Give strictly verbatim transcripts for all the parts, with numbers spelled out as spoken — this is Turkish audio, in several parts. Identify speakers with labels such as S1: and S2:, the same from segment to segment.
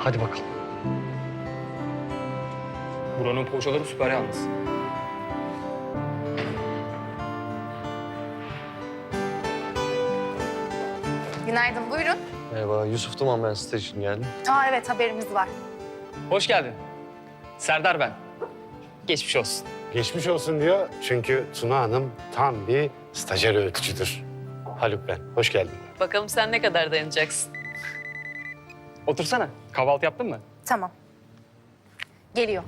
S1: Hadi bakalım.
S2: Buranın poğaçaları süper yalnız.
S3: Günaydın, buyurun.
S1: Merhaba, Yusuf Duman, ben site için geldim.
S3: Aa evet, haberimiz var.
S2: Hoş geldin. Serdar ben. Geçmiş olsun.
S4: Geçmiş olsun diyor çünkü Tuna Hanım tam bir stajyer öğütücüdür. Haluk ben, hoş geldin.
S5: Bakalım sen ne kadar dayanacaksın.
S2: Otursana. Kahvaltı yaptın mı?
S3: Tamam. Geliyor.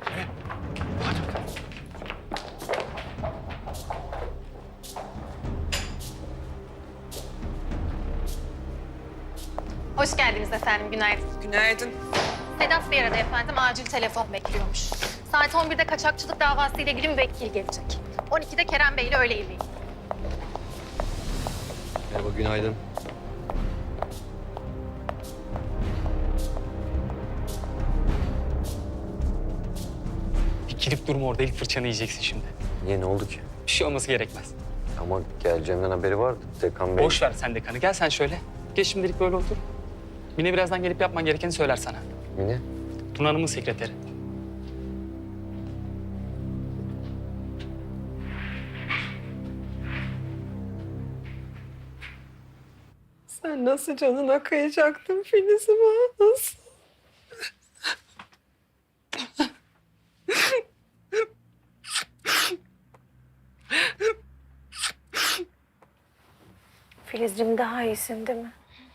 S3: Hoş geldiniz efendim, günaydın.
S5: Günaydın.
S3: Sedat Bey aradı efendim, acil telefon bekliyormuş. Saat on birde kaçakçılık davası ile ilgili müvekkil gelecek. on ikide Kerem Bey ile öğle yemeği.
S1: Merhaba, günaydın.
S2: Dikilip durma orada, ilk fırçanı yiyeceksin şimdi.
S1: Niye, ne oldu ki?
S2: Bir şey olması gerekmez.
S1: Ama geleceğimden haberi vardı. Dekan Bey...
S2: Boş ver sen dekanı. Gel sen şöyle. Geç şimdilik böyle otur. Mine birazdan gelip yapman gerekeni söyler sana.
S1: Mine?
S2: Tuna Hanım'ın sekreteri.
S5: Sen nasıl canına kıyacaktın Filiz'ime? Nasıl?
S3: Filizciğim, daha iyisin değil mi?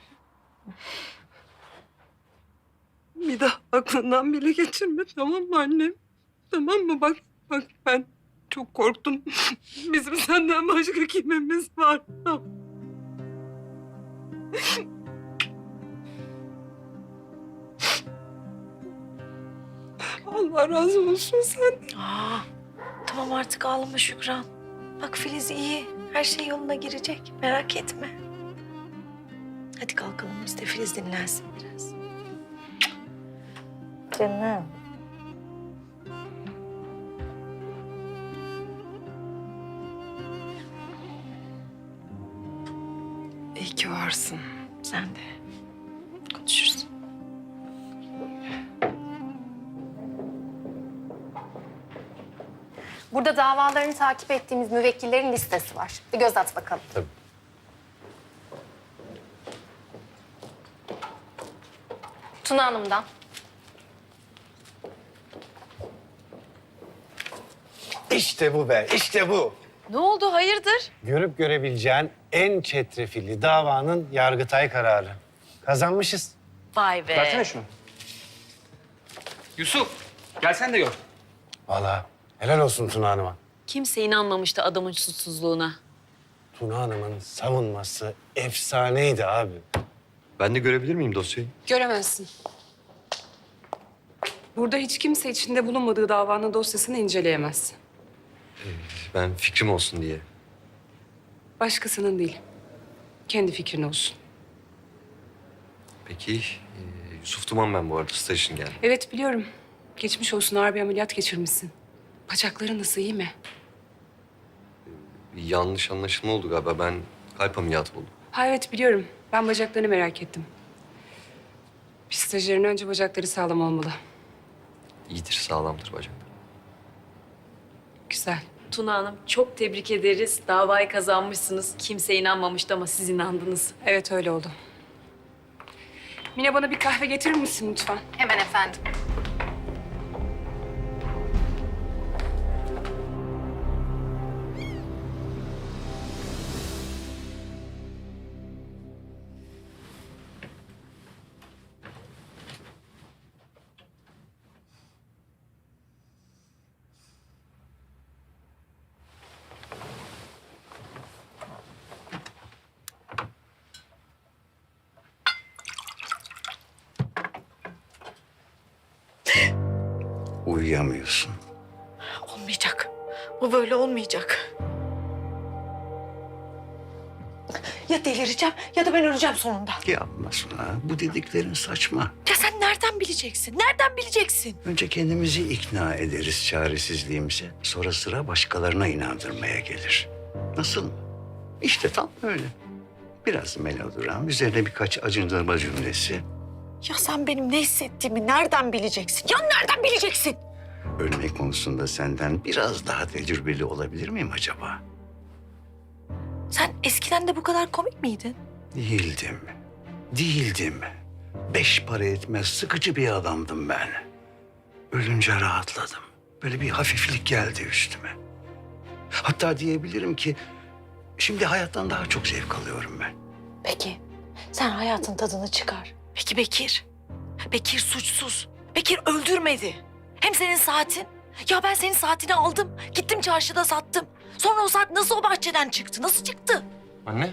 S6: Bir daha aklından bile geçirme, tamam mı annem? Tamam mı? Bak, bak ben çok korktum. Bizim senden başka kimimiz var? Allah razı olsun sen.
S7: Aa, tamam artık ağlama Şükran. Bak Filiz iyi. Her şey yoluna girecek. Merak etme. Hadi kalkalım biz de Filiz dinlensin biraz. Canım.
S6: İyi ki varsın.
S7: Sen de. Konuşuruz.
S3: Burada davalarını takip ettiğimiz müvekkillerin listesi var. Bir göz at bakalım.
S4: Tabii.
S3: Tuna Hanım'dan.
S4: İşte bu be, işte bu.
S5: Ne oldu hayırdır?
S4: Görüp görebileceğin en çetrefilli davanın Yargıtay kararı. Kazanmışız.
S5: Vay be.
S2: Versene şunu. Yusuf, gel sen de gör.
S4: Vallahi helal olsun Tuna Hanım'a.
S5: Kimse inanmamıştı adamın suçsuzluğuna.
S4: Tuna Hanım'ın savunması efsaneydi abi.
S1: Ben de görebilir miyim dosyayı?
S6: Göremezsin. Burada hiç kimse içinde bulunmadığı davanın dosyasını inceleyemez.
S1: Ben fikrim olsun diye.
S6: Başkasının değil. Kendi fikrin olsun.
S1: Peki, e, Yusuf Duman ben bu arada staj için geldim.
S6: Evet biliyorum. Geçmiş olsun, ağır bir ameliyat geçirmişsin. Bacakların nasıl, iyi mi?
S1: Bir yanlış anlaşılma oldu galiba. Ben kalp ameliyatı oldum.
S6: Ha evet biliyorum. Ben bacaklarını merak ettim. Bir stajyerin önce bacakları sağlam olmalı.
S1: İyidir, sağlamdır bacaklar.
S6: Güzel.
S5: Tuna Hanım çok tebrik ederiz. Davayı kazanmışsınız. Kimse inanmamıştı ama siz inandınız.
S6: Evet öyle oldu. Mine bana bir kahve getirir misin lütfen?
S3: Hemen efendim.
S8: Uyuyamıyorsun.
S7: Olmayacak. Bu böyle olmayacak. Ya delireceğim ya da ben öleceğim sonunda.
S8: Yapma Suna. Bu dediklerin saçma.
S7: Ya sen nereden bileceksin? Nereden bileceksin?
S8: Önce kendimizi ikna ederiz çaresizliğimize. Sonra sıra başkalarına inandırmaya gelir. Nasıl mı? İşte tam öyle. Biraz melodram, üzerine birkaç acındırma cümlesi.
S7: Ya sen benim ne hissettiğimi nereden bileceksin? Ya nereden bileceksin?
S8: Ölme konusunda senden biraz daha tecrübeli olabilir miyim acaba?
S7: Sen eskiden de bu kadar komik miydin?
S8: Değildim. Değildim. Beş para etmez sıkıcı bir adamdım ben. Ölünce rahatladım. Böyle bir hafiflik geldi üstüme. Hatta diyebilirim ki şimdi hayattan daha çok zevk alıyorum ben.
S7: Peki sen hayatın tadını çıkar. Peki Bekir? Bekir suçsuz. Bekir öldürmedi. Hem senin saatin. Ya ben senin saatini aldım. Gittim çarşıda sattım. Sonra o saat nasıl o bahçeden çıktı? Nasıl çıktı?
S1: Anne.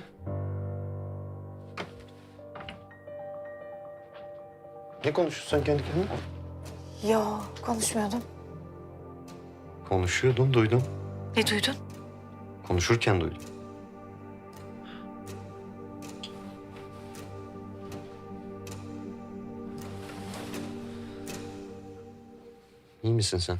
S1: Ne konuşuyorsun sen kendi kendine?
S7: Yo konuşmuyordum.
S1: Konuşuyordun, duydum.
S7: Ne duydun?
S1: Konuşurken duydum. İyi misin sen?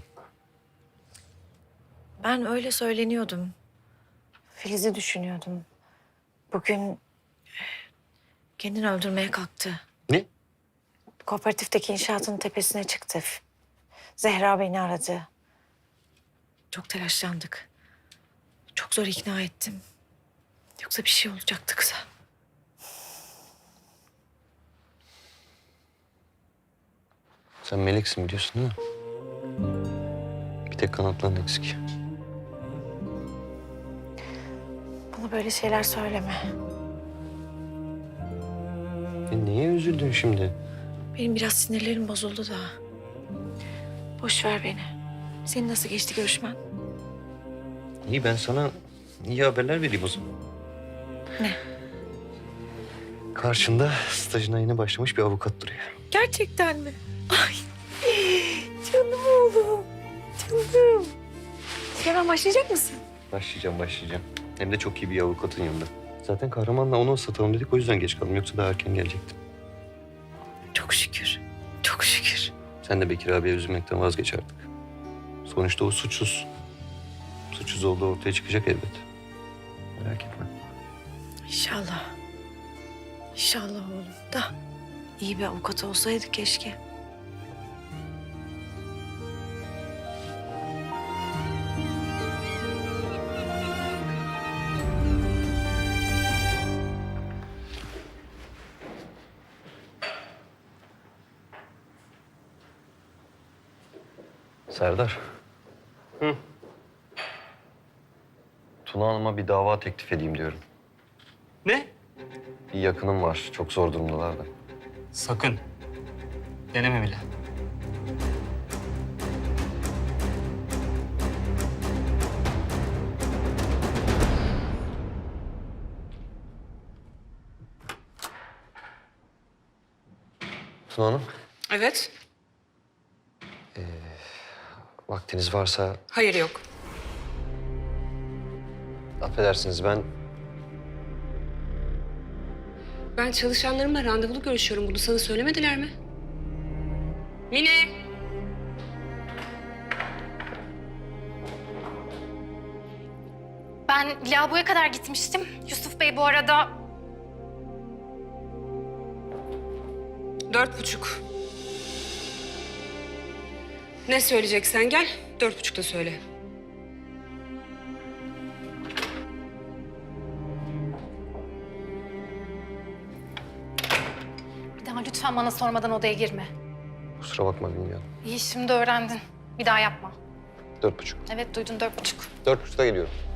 S7: Ben öyle söyleniyordum. Filiz'i düşünüyordum. Bugün kendini öldürmeye kalktı.
S1: Ne?
S7: Kooperatifteki inşaatın tepesine çıktı. Zehra beni aradı. Çok telaşlandık. Çok zor ikna ettim. Yoksa bir şey olacaktı kıza.
S1: Sen meleksin biliyorsun değil mi? Bir tek kanatların eksik.
S7: Bana böyle şeyler söyleme.
S1: E niye üzüldün şimdi?
S7: Benim biraz sinirlerim bozuldu da. Boş ver beni. Senin nasıl geçti görüşmen?
S1: İyi, ben sana iyi haberler vereyim o zaman.
S7: Ne?
S1: Karşında stajına yeni başlamış bir avukat duruyor.
S7: Gerçekten mi? Ay canım oğlum. Canım. Hemen başlayacak mısın?
S1: Başlayacağım, başlayacağım. Hem de çok iyi bir avukatın yanında. Zaten Kahraman'la onu ıslatalım dedik, o yüzden geç kaldım. Yoksa daha erken gelecektim.
S7: Çok şükür. Çok şükür.
S1: Sen de Bekir abiye üzülmekten vazgeç artık. Sonuçta o suçsuz. Suçsuz olduğu ortaya çıkacak elbet. Merak etme.
S7: İnşallah. İnşallah oğlum da. İyi bir avukat olsaydı keşke.
S1: Serdar. Hı. Tuna Hanım'a bir dava teklif edeyim diyorum.
S2: Ne?
S1: Bir yakınım var. Çok zor durumdalar da.
S2: Sakın. Deneme bile.
S1: Tuna Hanım,
S6: Evet.
S1: vaktiniz varsa
S6: Hayır yok.
S1: affedersiniz ben...
S9: Ben çalışanlarımla randevulu görüşüyorum. Bunu sana söylemediler mi? Mine!
S3: Ben lavaboya kadar gitmiştim. Yusuf Bey bu arada
S9: Dört buçuk. Ne söyleyeceksen gel, dört buçukta söyle.
S3: bir daha lütfen bana sormadan odaya girme.
S1: Kusura bakma bilmiyorum.
S3: İyi şimdi öğrendin. Bir daha yapma.
S1: Dört buçuk.
S3: Evet duydun dört buçuk.
S1: Dört buçukta geliyorum.